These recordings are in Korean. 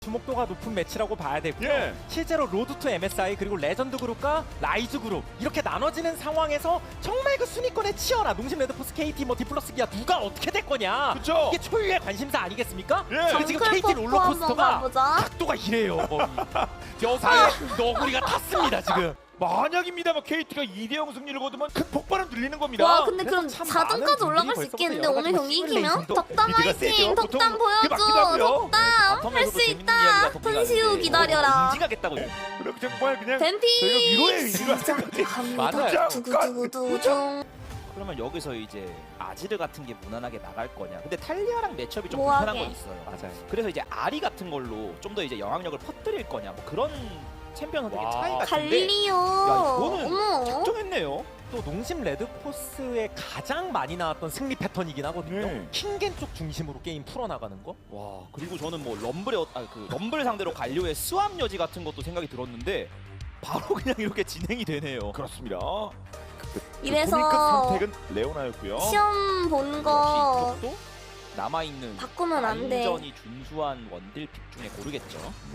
주목도가 높은 매치라고 봐야 되고요. 예. 실제로 로드 투 MSI 그리고 레전드 그룹과 라이즈 그룹 이렇게 나눠지는 상황에서 정말 그 순위권에 치열한 농심 레드포스 KT 뭐 디플러스 기아 누가 어떻게 될 거냐. 그쵸. 이게 초유의 관심사 아니겠습니까? 예. 근데 지금 KT 롤러코스터가 각도가 이래요. 여사의 너구리가 탔습니다 지금. 만약입니다만 KT가 2대0 승리를 거두면 큰 폭발은 들리는 겁니다. 와 근데 그럼 참 4등까지 많은 올라갈 수 분들이 있겠는데 벌써부터 오늘 경기 여러 가지 이기면? 시뮬레이션도 덕담 미드가 세죠. 화이팅! 보통 덕담 그게 맞기도 보여줘! 하고요. 덕담! 할 수 있다! 손시우 기다려라! 인증하겠다고. 그럼 정말 그냥 뱀피! 저희가 위로의 의지로 하는 거지. 갑니다 맞아요. 두구두구두둥 그러면 여기서 이제 아지르 같은 게 무난하게 나갈 거냐. 근데 탈리아랑 매첩이 좀 뭐하게. 불편한 건 있어요. 맞아요. 그래서 이제 아리 같은 걸로 좀 더 이제 영향력을 퍼뜨릴 거냐. 뭐 그런 챔피언 선택의 와. 차이 같은데. 갈리오! 이거는 어머! 작정했네요. 또 농심 레드포스의 가장 많이 나왔던 승리 패턴이긴 하거든요. 네. 킹겐 쪽 중심으로 게임 풀어나가는 거. 와 그리고 저는 뭐 럼블 상대로 갈리오의 스왑 여지 같은 것도 생각이 들었는데 바로 그냥 이렇게 진행이 되네요. 그렇습니다. 이래서 고민급 선택은 레오나였고요. 시험 본 거 역시 이쪽도 남아있는 바꾸면 안 돼. 완전히 준수한 원딜 픽 중에 고르겠죠.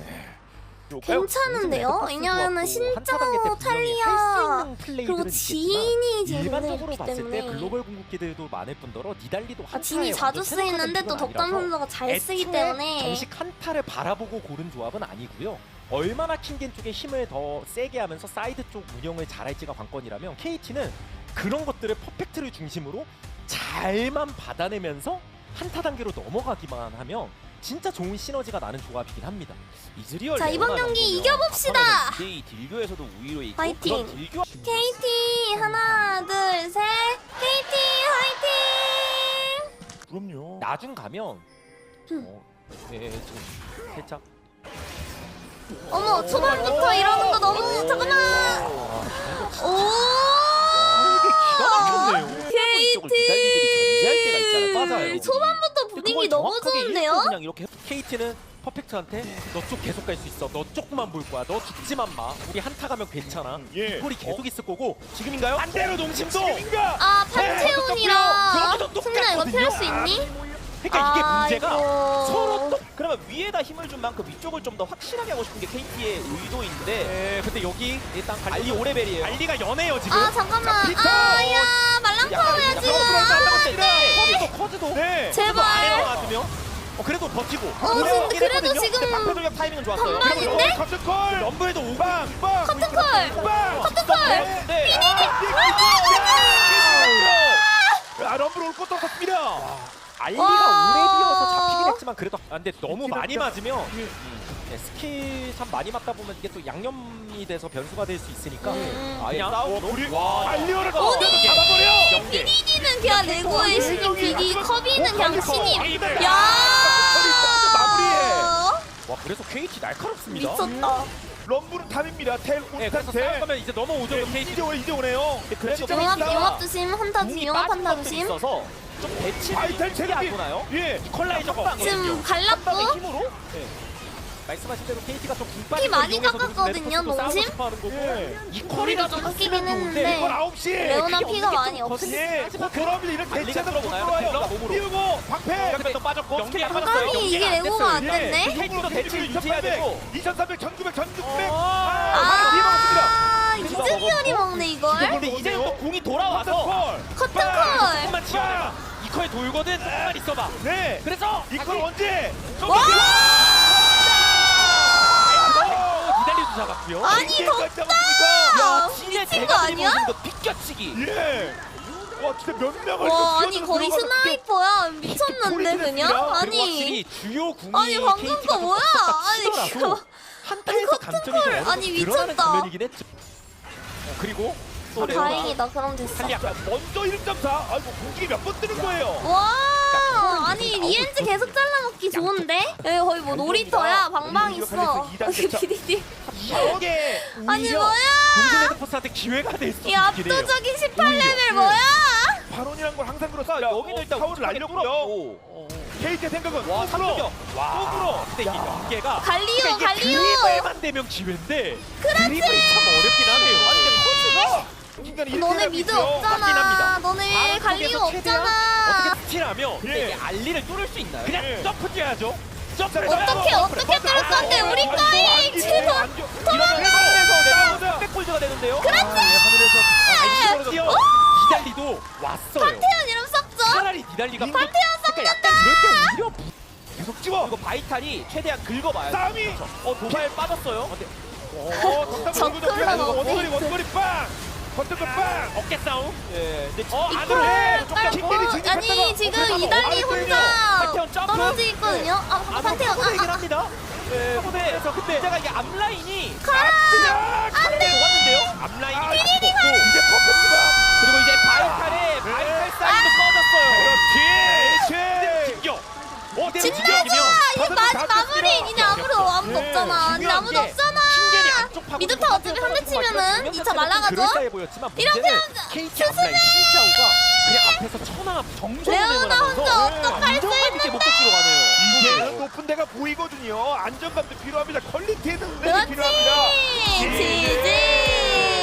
괜찮은데요? 왜냐면은 신짜오, 탈리아 그리고 지인이 제일 일반적으로 있기 봤을 때 때문에 글로벌 궁극기들도 많을 뿐더러 니달리도 아, 진이 자주 쓰이는데 또 덕담 선수가 잘 쓰기 때문에 정식 한타를 바라보고 고른 조합은 아니고요. 얼마나 킹겐 쪽에 힘을 더 세게 하면서 사이드 쪽 운영을 잘할지가 관건이라면 KT는 그런 것들을 퍼펙트를 중심으로 잘만 받아내면서 한타 단계로 넘어가기만 하면 진짜 좋은 시너지가 나는 조합이긴 합니다. 이즈리얼 자, 이번 경기 이겨봅시다! 이 딜교에서도 우위로 있고 파이팅! 그런 딜교 KT 하나 둘 셋 KT 화이팅! 그럼요. 나중 가면 지금 살짝 어머 초반부터 이러는 거 너무 잠깐만 오 이쪽을 기다리들이 견제할 때가 있잖아요. 맞아요. 초반부터 분위기 너무 좋은데요? 그냥 이렇게 KT는 퍼펙트한테 너 쪽 계속 갈 수 있어. 너 쪽만 볼 거야. 너 죽지만 마. 우리 한타 가면 괜찮아. 예. 이 콜이 계속 있을 거고 지금인가요? 반대로 농심도 지금인가? 아 판테온이랑 여기도 승민아 이거 피할 수 똑같거든요. 있니? 그러니까 이게 문제가 아이고. 서로 또 그러면 위에다 힘을 준 만큼 위쪽을 좀 더 확실하게 하고 싶은 게 KT의 의도인데 근데 여기 일단 알리 5레벨이에요. 알리가 연해요 지금. 아 잠깐만 피터! 아야 말랑파워야지 커즈도 네. 제발 아래로 놔두면 그래도 버티고. 근데 그래도 지금 방패 돌격 타이밍은 좋았어요. 반반인데? 커튼콜. 럼블도 오고 빵. 커튼콜 커튼콜 네. 아 럼블 올 것도 없습니다. 알리가 와. 오래 비어서 잡히긴 했지만 그래도 근데 너무 많이 맞으면 스킬 참 많이 맞다 보면 이게 또 양념이 돼서 변수가 될 수 있으니까 아예 그냥 싸움으로 알리오를 어디? 잡아버려. 연계. BDD는 그냥 레고의 신임 BD 커비는 그냥 신임 야 와 그래서 KT 날카롭습니다. 미쳤다 럼블은 탑입니다. 텔 네, 그래서 온탑 텔. 싸우면 이제 넘어오죠. KT. 이제 오네요. 그래서 용합 조심 한타 궁이 조심 용합 빠진 한타 것도 조심 있어서 좀 배치를 아이템 크게 체력이 안 보나요? 예. 컬라이저가 지금 빵의 갈랐고 힘으로 말씀하신 대로 KT가 좀 피 많이 깎았거든요, 농심? 예. 이 거리가 좀 깎이긴 했는데 이건 9시. 레오나 그게 피가 없는 많이 게 좀 없어 예. 그러면 이런 알리가 대체도 못 들어오나요? 들어와요. 딜러가 몸으로. 띄우고 방패. 연계도 빠졌고 연계 안 빠졌어요. 아니 이게 레고가 안 됐네? KT도 대치를 유지해야 되고 2300, 1900, 1600. 아 이즈리얼이 먹네 이걸 근데 이제 또 궁이 돌아와서 커튼콜 조금만 치워라. 이커에 돌거든. 조금만 있어봐. 네. 그래서 이걸 언제? 와 기다리도 잡았고요. 아니 덕다 야 진짜 미친 거 제가 아니야? 드리블 거 비껴치기. 예. 와 진짜 몇 명을 와 이렇게 아니 거의 스나이퍼야 미쳤는데 그냥 그리고 아니 확실히 주요 궁이 아니 방금 KT가 거 뭐야 아니 치더라도 한타에서 감점이 좀 어느 정도 아니, 드러나는 미쳤다. 장면이긴 했죠. 그리고 또 아, 레오나 다행이다 그럼 됐어 탈리 약간 먼저 1.4. 아이고 공격이 몇 번 뜨는 거예요. 와 아니 리엔즈 계속 잘라먹기 좋은데? 여기 거의 뭐 놀이터야 방방 있어 여기 BDD 이게 아니 뭐야 농심 레드포스한테 기회가 될 수 이 있긴 해요. 압도적인 18레벨 뭐야 발언이란 걸 항상 그렇습니다. 여기는 일단 타워를 날렸고요. KT의 생각은 와 또 삼격이요. 끌어. 근데 이게 연계가 갈리오 그러니까 이게 갈리오 드리블만 되면 기회인데 드리블이 참 어렵긴 하네요. 아니 근데 인간이 너네 미드 맞긴 없잖아 합니다. 너네 바로 갈리오 쪽에서 최대한 없잖아 어떻게 스틸하면 근데 이게 알리를 뚫을 수 있나요? 그냥 예. 점프 뛰어야죠. 어떻게 뚫을 건데 우리 거이 지금 이러면서 백골드가 되는데요. 하늘에서 니달리도 왔어요. 태연 이름 썼죠? 차라리 니달리가 그러니까 약간 이럴 때 오히려 계속 찍어. 그리고 바이탈이 최대한 긁어봐요. 싸움이. 도발 빠졌어요. 정글러가 원거리 빵. 버튼 빵. 어깨 싸움. 예. 근데 안으로 해. 깔고 아니 지금 이달리 혼자 판테온 점프. 떨어져 있거든요. 아 판테온 얘기를 합니다. 네, 그래서 근데 문제가 이게 앞라인이 안돼. 녹았는데요. 앞라인이 이제 퍼펙트다. 그리고 이제 바이탈 사이드 꺼졌어요. 그렇지. 진짜죠? 이거 마무리 이제 아무도 없잖아. 아니 아무도 없잖아. 미드타 어차피 한 대 치면은 2차 날아가죠? 그럴싸해 보였지만 이렇게 문제는 KT 앞라인 신짜오가 그냥 앞에서 천하 정성을 레오나 혼자 어떡할 수 안정감 있게 목적지로 가네요. 이제는 높은 데가 보이거든요. 안정감도 필요합니다. 퀄리티에는 능력이 필요합니다. 지지.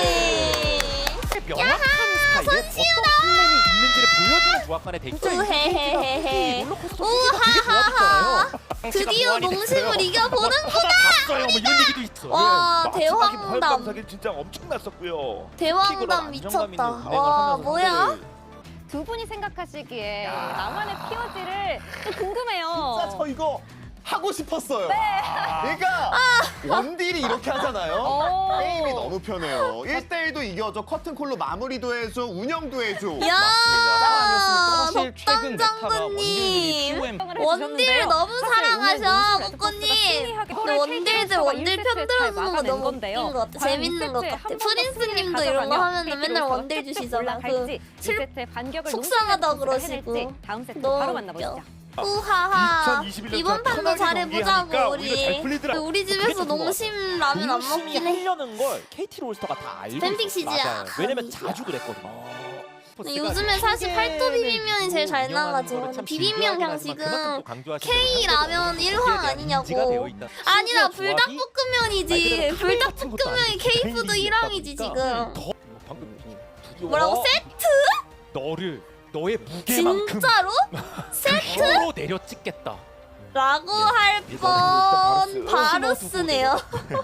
명확한 스타일에 어떤 플랜이 있는지를 보여주는 조합간의 대결. 우헤헤헤헤. 롤러코스터 우하하하. 드디어 농심을 이겨보는구나. 봤어요. 뭐 이런 얘기도 있어. 와 마지막에 대황담. 부활감사기 진짜 엄청났었고요. 대황담 미쳤다. 와 뭐야? 두 분이 생각하시기에 나만의 POG를 궁금해요. 진짜 저 이거 하고 싶었어요. 그러니까 원딜이 이렇게 하잖아요. 오. 게임이 너무 편해요. 1대1도 이겨줘, 커튼콜로 마무리도 해줘, 운영도 해줘. 야 사실 최근 메타가 덕담장군님 원딜들이 원딜 너무 사랑하셔 꼬꼬님. 근데 원딜들 원딜 편들어주는 거 너무 웃긴 것 같아. 재밌는 것 같아. 프린스님도 이런 거 하면은 맨날 원딜 주시잖아. 그 속상하다 그러시고. 다음 세트 너무 바로 웃겨. 만나보시죠. 우하하 2021년 이번 판도 편하게 잘해보자고 경기하니까 오히려 잘 우리. 풀리더라고. 우리 그게 집에서 좀 좋아. 농심 라면 안 농심이 먹긴 해. 하려는 걸 KT 롤스터가 다 알고 팬픽 있어요. 시즈야. 맞아요. 왜냐면 자주 그랬거든요. 요즘에 사실 팔도 비빔면이 제일 잘 나가죠. 비빔면 그냥 지금 K 라면 1황 아니냐고. 아니다 불닭볶음면이지. 불닭볶음면이 K푸드 1황이지 지금. 뭐라고 세트? 너의 무게만큼 진짜로? 세트? 힘으로 내려 찍겠다. 라고 할 뻔 바루스네요.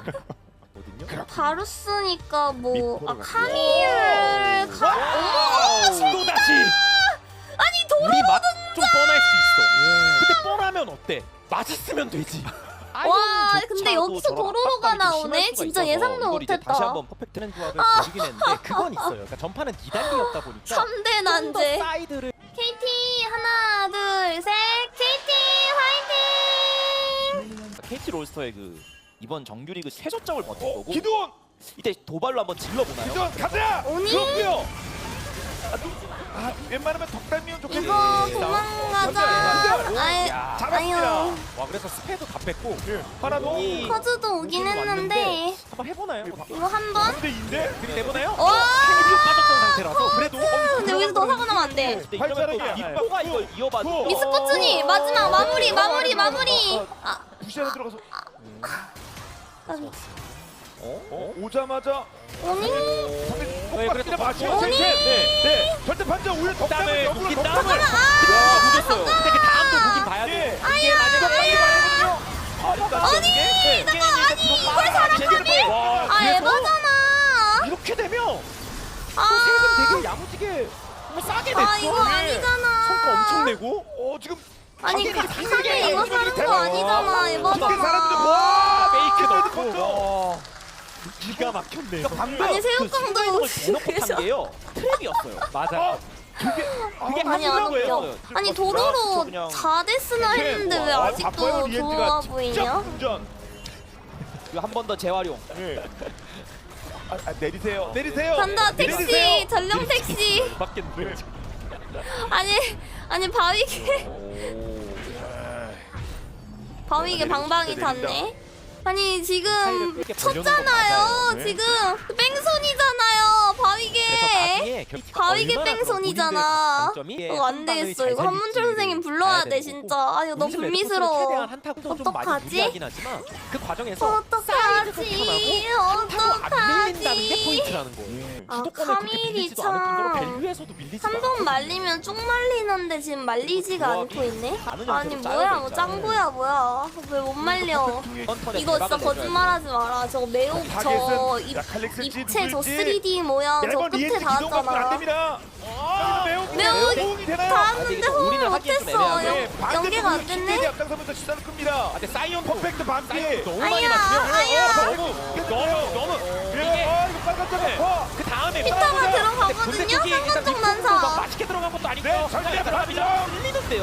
바루스니까 뭐 카미를 또 다시. 아니 도로 우리 맛 좀 뻔할 수 있어. 근데 뻔하면 어때? 맛있으면 되지. 와 근데 여기서 도로로가 나오네? 진짜 예상도 못했다. 다시 한번 퍼펙트는 조합을 보이긴 했는데 그건 있어요. 그러니까 전판은 니달리였다 보니까 3대 더 난제. 사이드를 KT 하나 둘 셋 KT 화이팅! KT 롤스터의 그 이번 정규리그 최저점을 버틴 거고 기도원, 이때 도발로 한번 질러보나요? 기도원 가자. 오니? 그렇고요. 웬만하면 덕담이면 좋겠네. 이거 도망가자. 잡았습니다. 아유 와 그래서 스페도 다 뺐고 하나 더. 커즈도 오긴 했는데 한번 해보나요? 이거 한 번? 3대2인데? 그리고 내보나요? 와! 캔이 빠졌던 상태라서 그래도 근데 여기서 더 사고 나면 안 돼. 근데 이러면 또 발자국이야. 윗보가 이걸 이어봐도 미스포츠니 마지막 마무리. 아 부시하러 들어가서 까비. 오자마자 오니? 폭박기나 맞춰. 오니? 네. 절대 판정 오히려 덕담을 땀을 역으로 묵긴 덕담을. 땀을 묻었어요. 근데 그 다음도 보긴 봐야 돼. 아야 아니 내가 아니 이걸 살았다니? 아 에바잖아. 이렇게 되면 아, 세금 되게 야무지게 정말 싸게 냈어. 아 이거 아니잖아. 성과 엄청 내고 지금 아니 가게가 카메 이거 사는 거 대박. 아니잖아 어떻게 사람들이 에바잖아. 와 메이크 넣고. 넣고 기가 막혔네. 방금 아니, 새우깡도 그 대놓고 그래서. 탄 게요. 트랩이었어요. 맞아. 그게 아니 안 웃겨. 아니 도로로 그냥 4데스나 했는데 왜 아직도 좋아 보이냐? 운전. 한 번 더 재활용. 내리세요. 내리세요. 간다 택시 내리세요. 전령 택시. 맞겠네. 아니 바위게 방방이 탔네. 아니 지금 이렇게 쳤잖아요. 벌려놓은 거 맞아요. 지금 뺑손이잖아요. 바위게. 그래서 나중에 가위개 뺑손이잖아. 안 되겠어. 이거 한문철 선생님 불러야 돼 진짜. 아 이거 너무 불미스러워. 어떡하지? 그 과정에서 어떡하지? 안 밀린다는 게 어떡하지? 포인트라는 거예요. 아, 주도권을 그렇게 카밀이 밀리지도 않을 정도로 참. 밸류에서도 밀리지 한 번 말리면 쭉 말리는데 지금 말리지가 않고 있네. 아니 뭐야 뭐 짱구야 뭐야. 왜 못 말려? 이거 진짜 거짓말하지 마라. 저거 매우 저 입체 저 3D 모양 저 끝에 닿았잖아. 매우 닿았는데 호응을 못했어. 연계가 안 됐네. 앞장서면서 시선을 끕니다. 근데 사이언 퍼펙트 반피. 너무 아야, 많이 맞으면 아야. 너무 이게 이거 빨간 점 그 다음에 피타가 들어가거든요. 상관적 난사. 맛있게 들어간 것도 아니고 네, 절대 들어갑니다. 밀리는데요.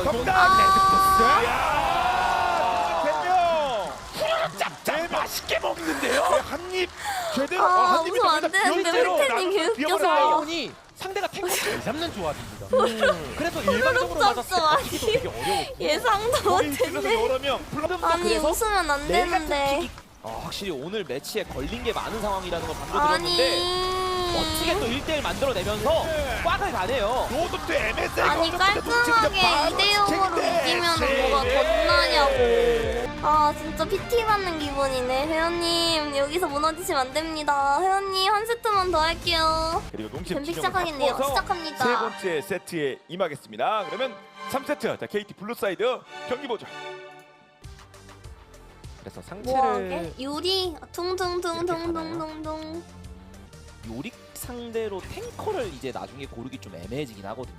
짭짭 맛있게 먹는데요. 한입 제대로 아 한 입이 웃으면 안 되는데 힐테님 개웃겨서. 사이언이 상대가 탱크 잘 잡는 조합입니다. 그래서 일반적으로 맞았을 때 잡죠, 버티기도 되게 어려워. 예상도 못했네. 여러 명. 아니 그래서 웃으면 안 되는데. 확실히 오늘 매치에 걸린 게 많은 상황이라는 걸 방금 들었는데 멋지게 또 1대1 만들어내면서 꽉을 가네요. 로드도 MSA 아니 깔끔하게 2대0으로 이기면 뭐가 겁나냐고. 아 진짜 PT 받는 기분이네. 회원님 여기서 무너지시면 안 됩니다. 회원님 한 세트만 더 할게요. 그리고 농심 뱀픽 진영을 시작하겠네요. 바꿔서 시작합니다. 세 번째 세트에 임하겠습니다. 그러면 3세트. 자, KT 블루 사이드 경기 보죠. 그래서 뭐하게? 상체를 유리 퉁퉁퉁퉁퉁퉁퉁. 요릭 상대로 탱커를 이제 나중에 고르기 좀 애매해지긴 하거든요.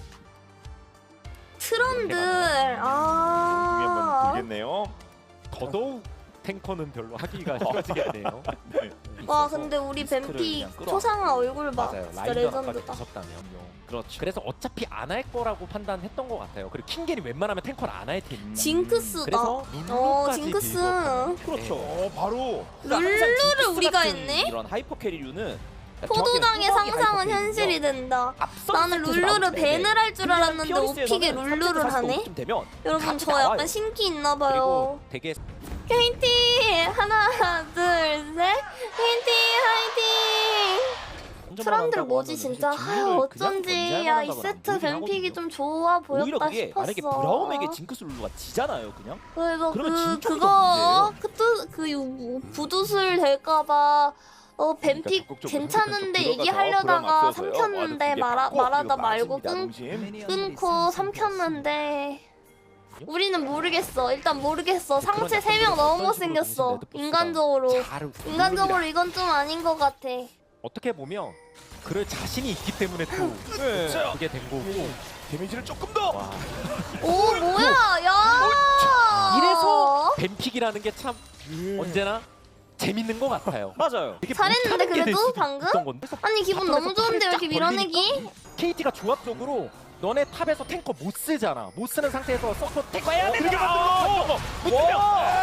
트런들. 공이 한번 아. 들겠네요. 더더욱 탱커는 별로 하기가 힘들겠네요. 와 근데 우리 뱀픽 초상화 얼굴 봐. 맞아요. 진짜 라인더까지 레전드다. 무섭다면. 그렇죠. 그래서 어차피 안 할 거라고 판단했던 것 같아요. 그리고 킹겐이 웬만하면 탱커를 안 할 텐데. 징크스다. 그래서 룰루까지 징크스. 밀고 그렇죠. 바로 룰루를 우리가 했네? 이런 하이퍼 캐리류는 포도당의 정확히 상상은 하이퍼 현실이 캐리는요. 된다. 앞선 나는 세트에서 룰루를 나오는데 밴을 할 줄 그냥 알았는데 피어리스에서는 오픽에 룰루를 3세트 하네? 45쯤 되면 여러분 같이 저 나와요. 약간 신기 있나 그리고 봐요. 되게 KT 하나 둘 셋. KT 화이팅. 사람들 뭐지 진짜. 아유 어쩐지 야 이 세트 뱀픽이 좀 좋아 오히려 보였다 그게 싶었어. 만약에 브라움에게 징크스 룰루가 지잖아요, 그냥. 그래서 그러면 진짜 그거 그 부두술 될까봐 뱀픽 그러니까 괜찮은데 적극적으로 얘기하려다가 들어가서 브라움 삼켰는데 앞서서요. 말하다 이거 말고 맞습니다, 농심. 끊고 삼켰는데 우리는 모르겠어. 일단 모르겠어. 상체 3명 너무 못생겼어. 인간적으로 이건 좀 아닌 것 같아. 어떻게 보면 그럴 자신이 있기 때문에 또 네. 그게 된 거고. 데미지를 조금 더. 와. 오 뭐야 야. 이래서 뱀픽이라는 게 참 언제나 재밌는 것 같아요. 맞아요. 되게 잘했는데 못하는 게될 그래도 수도 방금? 있던 건데. 아니 기분 너무 좋은데 왜 이렇게 밀어내기? KT가 조합적으로 너네 탑에서 탱커 못 쓰잖아. 못 쓰는 상태에서 서포 탱커 해야 그렇게 되잖아. 만들고 와,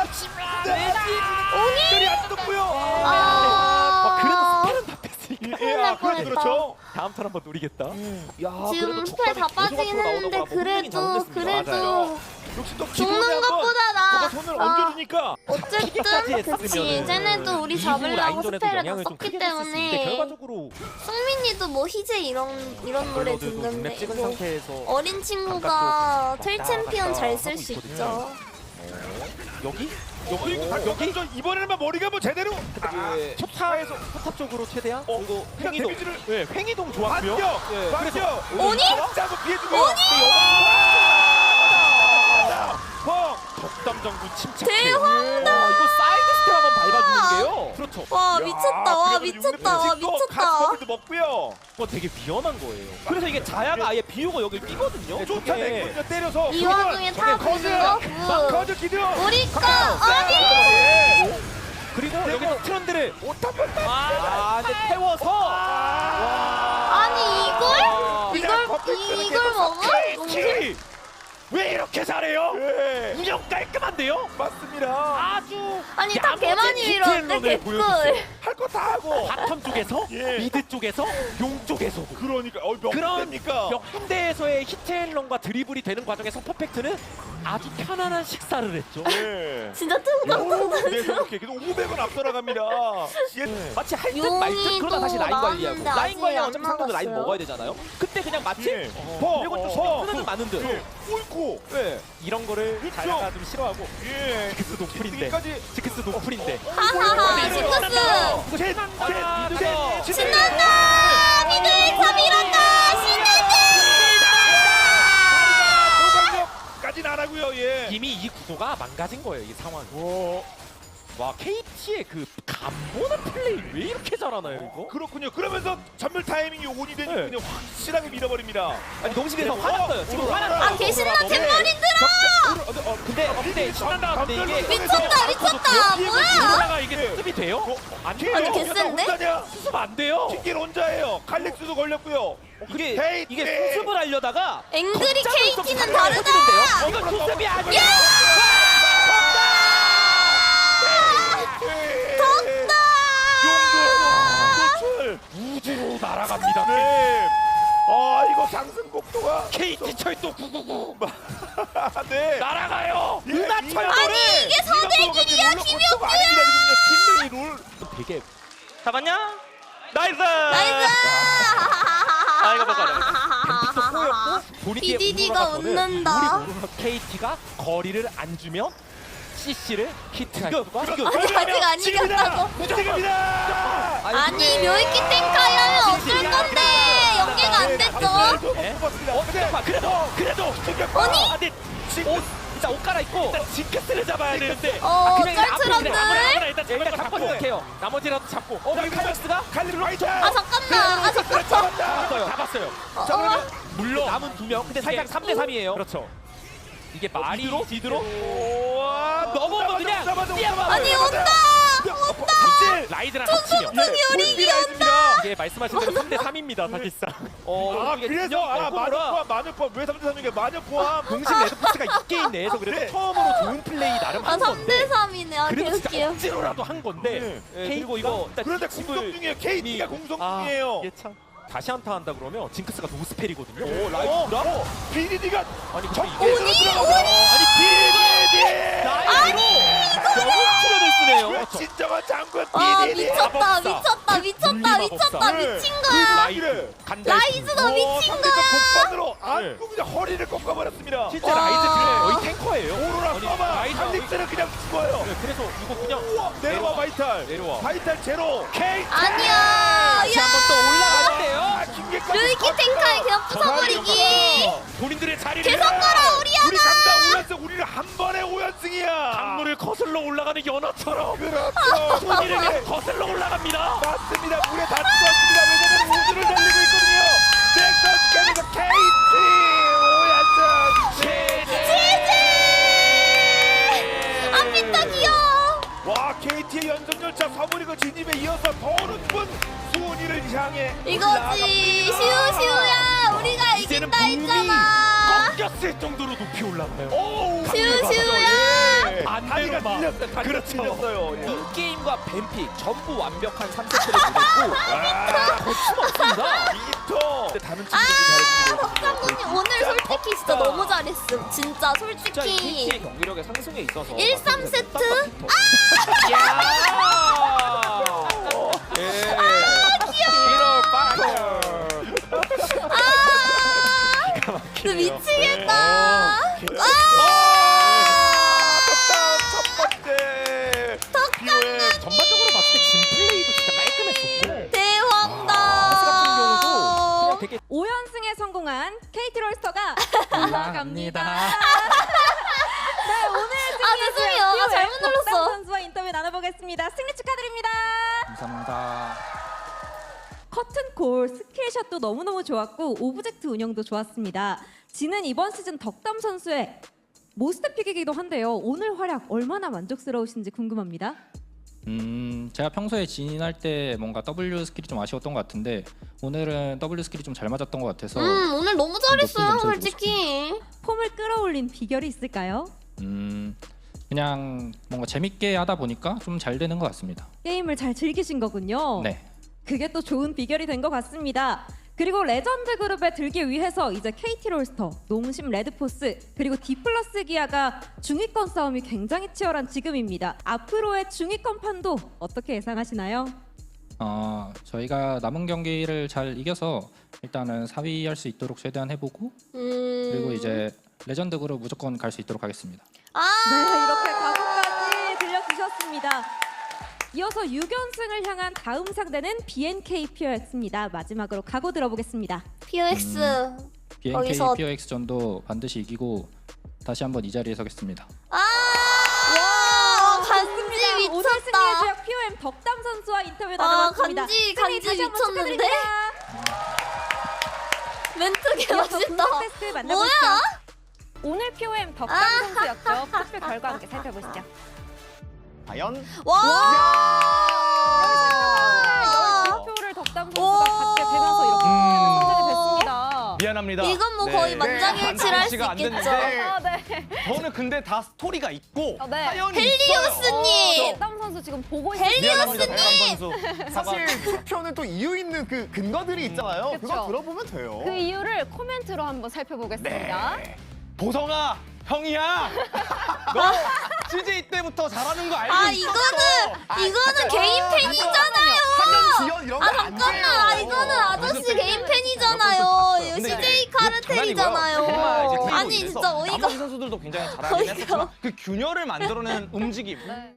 별이 안 떴고요. 아. 그래도 스펠은 다 뺐으니까. 날 뻔했다. 그렇죠. 다음 턴 한번 노리겠다. 야, 지금 그래도 스펠 다 촉감이 빠지긴 계속 앞으로 했는데 나오다가 뭐 분명히 잘못됐습니다. 그래도 역시 또 기본에 죽는 한번 것보다 누가 나. 손을 아, 얹어주니까. 어쨌든 그치. 쟤네도 우리 잡으려고 라인전에도 스펠을 다 영향을 좀 썼기 크게 줬을 수 있는데 때문에 결과적으로 승민이도 뭐 희재 이런 노래 블러드도 눈에 듣는데 찍은 뭐 상태에서 어린 친구가 바깥쪽 텔 왔다 챔피언 갔다 잘 쓸 하고 수 있거든요. 있죠. 여기 여기 이번에는 머리가 뭐 제대로. 초탑에서 초탑 쪽으로 최대한 그리고 그냥 횡이동 데미지를 네, 횡이동 좋았고요. 반격. 반격. 오니? 짜고 피해주고. 덕담정부 침착해. 대황다. 와, 이거 사이드 스텝 한번 밟아주는 게요. 그렇죠. 와 미쳤다. 와 미쳤다. 와 미쳤다. 가스커피도 먹고요. 그거 되게 위험한 거예요. 그래서 이게 자야가 아예 비우고 여길 뛰거든요. 쫓아내고 때려서. 이 와중에 탑 보는 거 굿. 거저 기둥. 우리 거 아니. 그리고 여기서 트런드를 근데 태워서. 아니 이걸 먹어? 농심? 왜 이렇게 잘해요? 운영 깔끔한데요? 맞습니다. 아주 아니 딱 개만이 야무진 이러는데 디테일러를 개꿀. 보여줬어요. 할 거 다 하고. 바텀 쪽에서, 예. 미드 쪽에서, 용 쪽에서도. 그러니까 몇 그런 군데입니까? 몇 군데에서의 히트앤런과 드리블이 되는 과정에서 퍼펙트는 아주 편안한 식사를 했죠. 예. 진짜 뚱뚱. 네, 그렇게. 그래도 500원 앞서 나갑니다. 마치 할 듯 용이 말 듯 그러다 다시 또 라인 관리하고 나왔는데 라인 관리하면 아직 어차피 안 상대도 라인 나갔어요. 먹어야 되잖아요. 그때 그냥 마치 예. 그리고 좀 신경 쓰는 듯 마는 듯. 예. 옳고. 네. 이런 거를 그렇죠. 자야가 좀 싫어하고 예. 지크스 노플인데 여기까지. 지크스 노플인데 하하하 이거 징크스. 신난다. 미드 1차 밀었다. 까지는 안 하고요. 예. 이미 이 구도가 망가진 거예요, 이 상황이. 와, KT의 그 간보는 플레이 왜 이렇게 잘하나요, 이거? 그렇군요. 그러면서 전멸 타이밍이 온이 되니까 네. 그냥 확실하게 밀어버립니다. 아니 농심에서 어, 화났어요. 지금 어, 화났어요. 아 개신나 템머리 근데 신난다. 근데 이게 미쳤다. 뭐야? 올라가 이게 수습이 돼요? 안 돼요. 아니, 개센데? 수습 안 돼요. 킹길 혼자예요. 칼렉스도 걸렸고요. 이게 수습을 하려다가 앵그리 걷잡을 수 없이 KT는 살려야 다르다. 되는데요. 이건 수습이 아니야. 용도 우주로 날아갑니다. 네. 아 이거 상승 속도가 KT 철도 999 네. 날아가요. 예, 은하철 아니 이게 서대길이야 김혁구야. 팀명이 룰. 되게 잡았냐? 나이스. 나이스. 아 이거 봐봐. 뱀픽도 꼬였고 본인의 BDD 가 웃는다. KT가 거리를 안 주면 CC를 히트할 수가 아니 아직 안 이겼다고. 무지개입니다. 아니 묘이키 탱카이 하면 어쩔 건데 연계가 안 됐죠. 그래도 아니? 근데 일단 옷 갈아입고 일단 징크스를 잡아야 되는데 쩔트런들. 일단 잡고 생각해요. 나머지라도 잡고 칼렉스가 칼리를 라이트. 아 잠깐만. 아 잠깐만. 잡았어요. 물론 남은 2명 근데 살짝 3대 3이에요. 그렇죠. 이게 말이 뒤로 넘어오면 그냥 아니 온다. 라이드랑 합치면 우리 이게 말씀하신 대로 3대 3입니다 사실상. 아 그래서 마녀 포함 왜 3대 3인가 마녀 포함 공식 레드포츠가 이 게임 내에서 그래도 네. 처음으로 좋은 플레이 나름 아 한 건데 3대 3이네. 아 그래도 진짜 개웃기요. 억지로라도 한 건데 그리고 이거 그런데 공성 중이에요. KT가 공성 중이에요. 이게 참 다시 한타 한다 그러면 징크스가 노스펠이거든요. 오 라이브라 BDD가 아니 근데 적군으로 이게 아니 BDD 라이브로 트런을 쓰네요. 왜 진정한 장군 아 BDD 미쳤다 미쳤다 미쳤다 미쳤다 미친 거야. 라이드 간다. 라이즈도 미친 거야. 복반으로 안고 그냥 허리를 꺾어버렸습니다. 실제 라이즈 지금 거의 탱커예요. 오로라 써봐 라이즈 칼릭스는 그냥 죽어요. 네, 그래서 이거 그냥 우와 내려와 바이탈 내려와. 바이탈 제로 KT 아니야. 다시 한 번 또 올라가는데요. 류이키 탱카이 그냥 부숴버리기. 본인들의 자리를 계속 걸어 우리 우리야. 강다 5연승 우리는 한 번에 5연승이야. 강물을 거슬러 올라가는 연어처럼 그렇죠. 본인에게 우리에게 거슬러 올라갑니다. 맞습니다. 물에 다 죽었습니다. 왜냐면 우주를 달리고 있거든요. 넥서스 게임에서 KT 5연승 아 피터 귀여워. 와 KT의 연승열차 서브리그 진입에 이어서 더 높은 수훈이를 향해 이거지 슈슈야. 우리가 이제는 이긴다 몸이 했잖아. 꺾였을 정도로 높이 올라가요. 오우 슈슈야. 안 다리가 되는 밀렸어요. 다리가 그렇죠. 밀렸어요. 예. 인게임과 뱀픽 전부 완벽한 3세트를 보냈고 거침없습니다. 이터 근데 다른 아 친구들이 박상훈님 오늘 솔직히 진짜 너무 잘했음. 진짜 진짜 이 솔직히. KT의 경기력의 상승에 있어서 1-3세트? 너 미치겠다. 첫 번째 전반적으로 봤을 때 진 플레이도 진짜 깔끔했었고 대왕다. 아스 같은 경우도 그냥 되게 5연승에 성공한 KT 롤스터가 올라갑니다. 네, 오늘 아 죄송해요. 아, 잘못 눌렀어. 선수와 인터뷰 나눠보겠습니다. 승리 축하드립니다. 감사합니다. 커튼콜 스킬샷도 너무너무 좋았고 오브젝트 운영도 좋았습니다. 지는 이번 시즌 덕담 선수의 모스트픽이기도 한데요. 오늘 활약 얼마나 만족스러우신지 궁금합니다. 제가 평소에 진할 때 뭔가 W 스킬이 좀 아쉬웠던 것 같은데 오늘은 W 스킬이 좀 잘 맞았던 것 같아서 오늘 너무 잘했어요 높은 점수를 솔직히. 폼을 끌어올린 비결이 있을까요? 그냥 그냥 뭔가 재밌게 하다 보니까 좀 잘 되는 것 같습니다. 게임을 잘 즐기신 거군요. 네. 그게 또 좋은 비결이 된 것 같습니다. 그리고 레전드 그룹에 들기 위해서 이제 KT 롤스터, 농심 레드포스, 그리고 디플러스 기아가 중위권 싸움이 굉장히 치열한 지금입니다. 앞으로의 중위권 판도 어떻게 예상하시나요? 저희가 남은 경기를 잘 이겨서 일단은 4위 할 수 있도록 최대한 해보고 그리고 이제 레전드 그룹 무조건 갈 수 있도록 하겠습니다. 네, 이렇게 각오까지 들려주셨습니다. 이어서 6연승을 향한 다음 상대는 BNK POX입니다. 마지막으로 각오 들어보겠습니다. POX BNK 거기서- POX전도 반드시 이기고 다시 한번 이 자리에 서겠습니다. 와 간지 오늘 승리의 미쳤다. 주역 POM 덕담 선수와 인터뷰 아 나눠봤습니다. 간지 승리 다시 한번 미쳤는데? 축하드립니다. 멘트 개 이어서 멋있다. 분석 테스트 만나보시죠. 뭐야? 오늘 POM 덕담 선수였죠. 투표 결과 함께 살펴보시죠. 과연 와. 13표를 덕담 선수가 받게 되면서 이렇게 선정이 됐습니다. 미안합니다. 이건 뭐 네. 거의 만장일치를 할 수 만장일치가 안 있겠죠. 됐는데 아, 네. 저는 근데 다 스토리가 있고 네. 사연이 헬리오스님. 덕담 선수 지금 보고 미안합니다, 있어요. 덕담 선수. 사실 투표는 또 이유 있는 그 근거들이 있잖아요. 그쵸. 그거 들어보면 돼요. 그 이유를 코멘트로 한번 살펴보겠습니다. 보성아, 형이야. 너 CJ 때부터 잘하는 거 알고 아 있었어. 이거는 개인 팬이잖아요. 지연 이런 아 거안 돼요. 잠깐만, 이거는 아저씨 개인 팬이잖아요. 이거 근데 CJ 정말 카르텔이잖아요. 이제 아니 그래서 진짜 어이가 나머지 선수들도 굉장히 잘하긴 어이가 했었지만 그 균열을 만들어낸 움직임. 네.